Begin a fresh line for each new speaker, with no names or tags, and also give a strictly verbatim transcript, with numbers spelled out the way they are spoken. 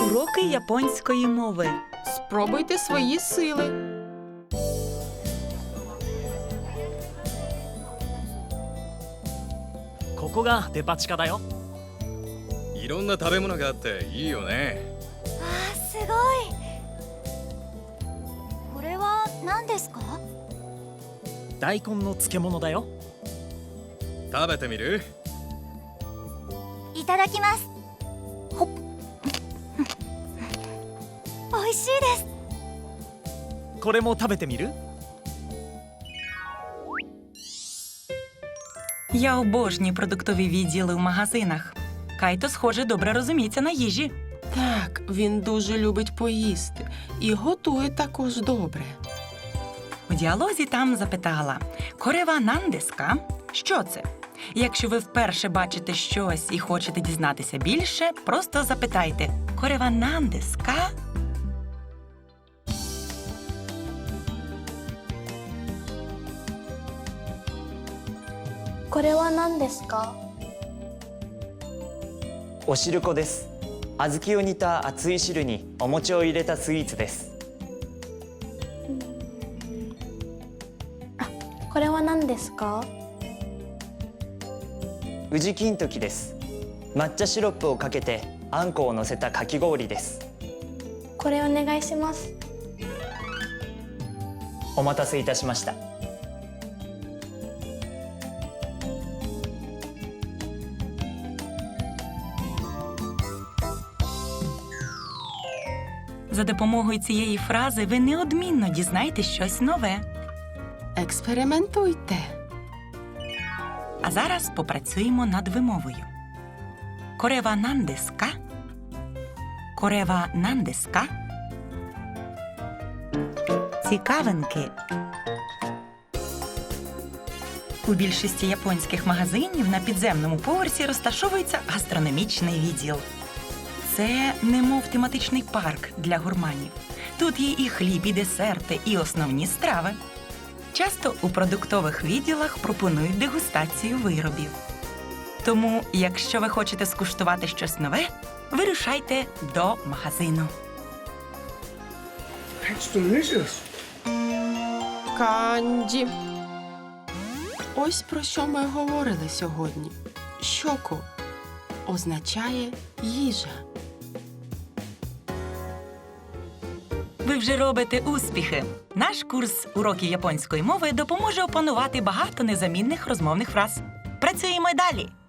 Уроки японської мови.
Спробуйте свої сили.
ここがデパ地下だよ。
いろんな食べ物があっていいよね。
あー、すごい。これは何ですか？
大根の漬物だよ。
食べてみる？
いただきます。ほっ。美味しいです。
これも食べてみる？
Я обожнюю продуктові відділи в магазинах. Кайто, схоже, добре розуміється на їжі.
Так, він дуже любить поїсти і готує також добре.
У діалозі там запитала «Корева нандеска?» Що це? Якщо ви вперше бачите щось і хочете дізнатися більше, просто запитайте «Корева нандеска?»
«おしるこです。小豆を煮た熱い汁にお餅を入れたスイーツです。
これは何ですか？
宇治金時です。抹茶シロップをかけてあんこを乗せたかき氷です。
これお願いします。
お待たせいたしました。
За допомогою цієї фрази ви неодмінно дізнаєтесь щось нове.
Експериментуйте.
А зараз попрацюємо над вимовою. Корева нандеска? Корева нандеска? Цікавинки. У більшості японських магазинів на підземному поверсі розташовується гастрономічний відділ. Це немов тематичний парк для гурманів. Тут є і хліб, і десерти, і основні страви. Часто у продуктових відділах пропонують дегустацію виробів. Тому, якщо ви хочете скуштувати щось нове, вирушайте до магазину.
Канджі. Ось про що ми говорили сьогодні. Щоку означає їжа.
Ви вже робите успіхи! Наш курс «Уроки японської мови» допоможе опанувати багато незамінних розмовних фраз. Працюємо й далі!